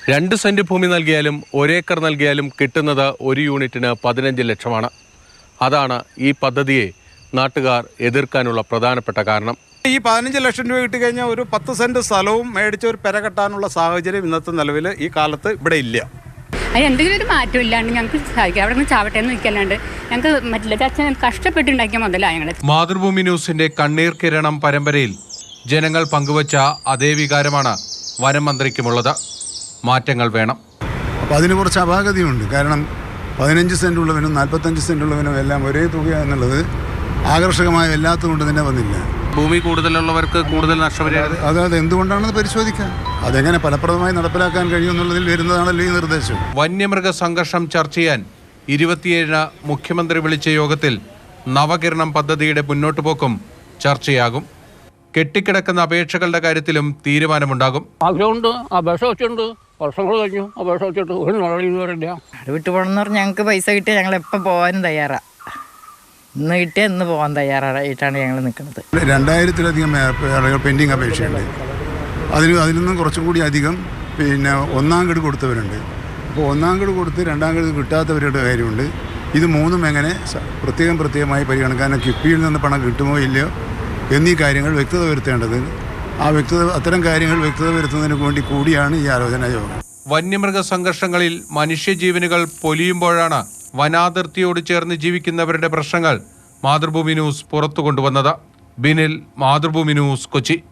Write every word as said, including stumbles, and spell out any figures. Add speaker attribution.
Speaker 1: രണ്ട് സെന്റ് ഭൂമി നൽകിയാലും ഒരേക്കർ നൽകിയാലും കിട്ടുന്നത് ഒരു യൂണിറ്റിന് പതിനഞ്ച് ലക്ഷമാണ്. അതാണ് ഈ പദ്ധതിയെ നാട്ടുകാർ എതിർക്കാനുള്ള പ്രധാനപ്പെട്ട കാരണം.
Speaker 2: ഈ പതിനഞ്ച് ലക്ഷം രൂപ കിട്ടിക്കഴിഞ്ഞാൽ ഒരു പത്ത് സെന്റ് സ്ഥലവും മേടിച്ച് ഒരു പെര കെട്ടാനുള്ള സാഹചര്യം ഇന്നത്തെ നിലവിൽ ഈ കാലത്ത് ഇവിടെ ഇല്ല.
Speaker 3: അതിന് എന്തെങ്കിലും ഒരു മാറ്റം ഇല്ലാണ്ട് ഞങ്ങൾക്ക് സഹായിക്കാം. അവിടെ നിന്ന് ചാവട്ടെ എന്ന് നിൽക്കല്ലാണ്ട് ഞങ്ങൾക്ക് മറ്റില്ല. അച്ഛൻ കഷ്ടപ്പെട്ടുണ്ടാക്കിയ മുതലാണ് ഞങ്ങൾ.
Speaker 1: മാതൃഭൂമി ന്യൂസിന്റെ കണ്ണീർ കിരണം പരമ്പരയിൽ ജനങ്ങൾ പങ്കുവച്ച അതേ വികാരമാണ് വനം മന്ത്രിക്കുമുള്ളത്. മാറ്റങ്ങൾ വേണം.
Speaker 4: അപ്പോൾ അതിന് കുറച്ച് അപാകതയുണ്ട്. കാരണം പതിനഞ്ച് സെന്റ് ഉള്ളവനും നാൽപ്പത്തഞ്ച് സെന്റ് ഉള്ളവനും എല്ലാം ഒരേ തുക എന്നുള്ളത് ആകർഷകമായ എല്ലാത്തുകൊണ്ട് തന്നെ വന്നില്ല.
Speaker 1: ഭൂമി കൂടുതലുള്ളവർക്ക് കൂടുതൽ നഷ്ടപരിഹാരം.
Speaker 4: അതായത് എന്തുകൊണ്ടാണെന്ന് പരിശോധിക്കാം. അതെങ്ങനെ ഫലപ്രദമായി നടപ്പിലാക്കാൻ കഴിയുമെന്നുള്ളതിൽ വരുന്നതാണല്ലോ ഈ നിർദ്ദേശം.
Speaker 1: വന്യമൃഗ സംഘർഷം ചർച്ച ചെയ്യാൻ ഇരുപത്തിയേഴിന് മുഖ്യമന്ത്രി വിളിച്ച യോഗത്തിൽ നവകിരണം പദ്ധതിയുടെ മുന്നോട്ടു പോക്കും ചർച്ചയാകും. കെട്ടിക്കിടക്കുന്ന അപേക്ഷകളുടെ കാര്യത്തിലും തീരുമാനമുണ്ടാകും.
Speaker 5: ആഗ്രഹമുണ്ട്, അപേക്ഷ വെച്ചിട്ടുണ്ട്, വർഷങ്ങൾ കഴിഞ്ഞു, അപേക്ഷ വെച്ചിട്ട് ഒരു നടപടി ഇതുവരെയില്ല.
Speaker 6: അത് വിട്ടു പോകണമെന്ന് പറഞ്ഞാൽ ഞങ്ങൾക്ക് പൈസ കിട്ടിയാൽ ഞങ്ങൾ എപ്പോൾ പോകാനും തയ്യാറാണ്. ഇന്ന് കിട്ടിയാൽ ഇന്ന് പോകാൻ തയ്യാറായിട്ടാണ് ഞങ്ങൾ നിൽക്കുന്നത്.
Speaker 4: രണ്ടായിരത്തിലധികം പെൻഡിങ് അപേക്ഷയുണ്ട്. അതിന് അതിൽ നിന്നും കുറച്ചും കൂടി അധികം പിന്നെ ഒന്നാം ഗഡു കൊടുത്തവരുണ്ട്. അപ്പോൾ ഒന്നാം ഗഡു കൊടുത്ത് രണ്ടാം ഗഡു കിട്ടാത്തവരുടെ കാര്യമുണ്ട്. ഇത് മൂന്നും എങ്ങനെ പ്രത്യേകം പ്രത്യേകമായി പരിഗണിക്കാൻ കിഫ്ബിയിൽ നിന്ന് പണം കിട്ടുമോ ഇല്ലയോ എന്നീ കാര്യങ്ങൾ വ്യക്തത വരുത്തേണ്ടത്. ആ വ്യക്തത അത്തരം കാര്യങ്ങൾ വ്യക്തത വരുത്തുന്നതിന് വേണ്ടി കൂടിയാണ് ഈ ആലോചനാ യോഗം.
Speaker 1: വന്യമൃഗ സംഘർഷങ്ങളിൽ മനുഷ്യജീവനുകൾ പൊലിയുമ്പോഴാണ് വനാതിർത്തിയോട് ചേർന്ന് ജീവിക്കുന്നവരുടെ പ്രശ്നങ്ങൾ മാതൃഭൂമി ന്യൂസ് പുറത്തു കൊണ്ടുവന്നത്. ബിനിൽ, മാതൃഭൂമി ന്യൂസ്, കൊച്ചി.